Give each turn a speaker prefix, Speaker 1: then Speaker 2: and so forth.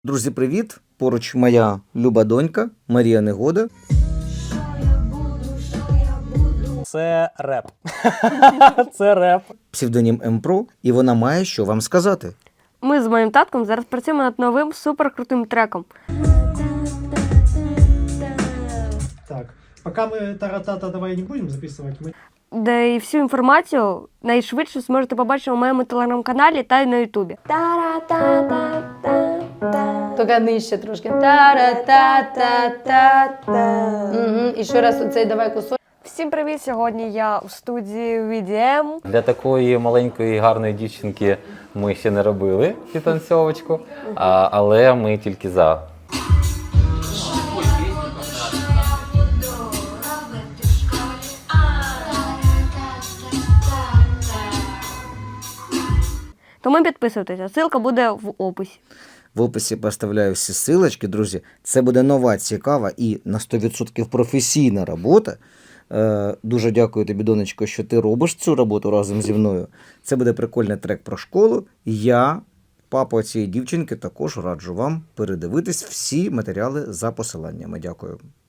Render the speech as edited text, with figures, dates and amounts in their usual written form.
Speaker 1: Друзі, привіт! Поруч моя люба донька Марія Негода.
Speaker 2: Це реп. Це реп.
Speaker 1: Псевдонім М-Про, і вона має що вам сказати.
Speaker 3: Ми з моїм татком зараз працюємо над новим суперкрутим треком.
Speaker 4: Так, пока мы таратата давай не будем записывать, мы...
Speaker 3: Де і всю інформацію найшвидше зможете побачити у моєму телеграм-каналі та й на Ютубі.
Speaker 5: Тільки нижче трошки. Та-ра-та-та-та-та. І ще раз оцей давай кусок.
Speaker 3: Всім привіт! Сьогодні я у студії VDM.
Speaker 6: Для такої маленької гарної дівчинки ми ще не робили підтанцьовочку, але ми тільки за.
Speaker 3: Тому підписуйтеся, ссылка буде в описі.
Speaker 1: В описі поставляю всі силочки, друзі. Це буде нова, цікава і на 100% професійна робота. Дуже дякую тобі, донечко, що ти робиш цю роботу разом зі мною. Це буде прикольний трек про школу. Я, папа цієї дівчинки, також раджу вам передивитись всі матеріали за посиланнями. Дякую.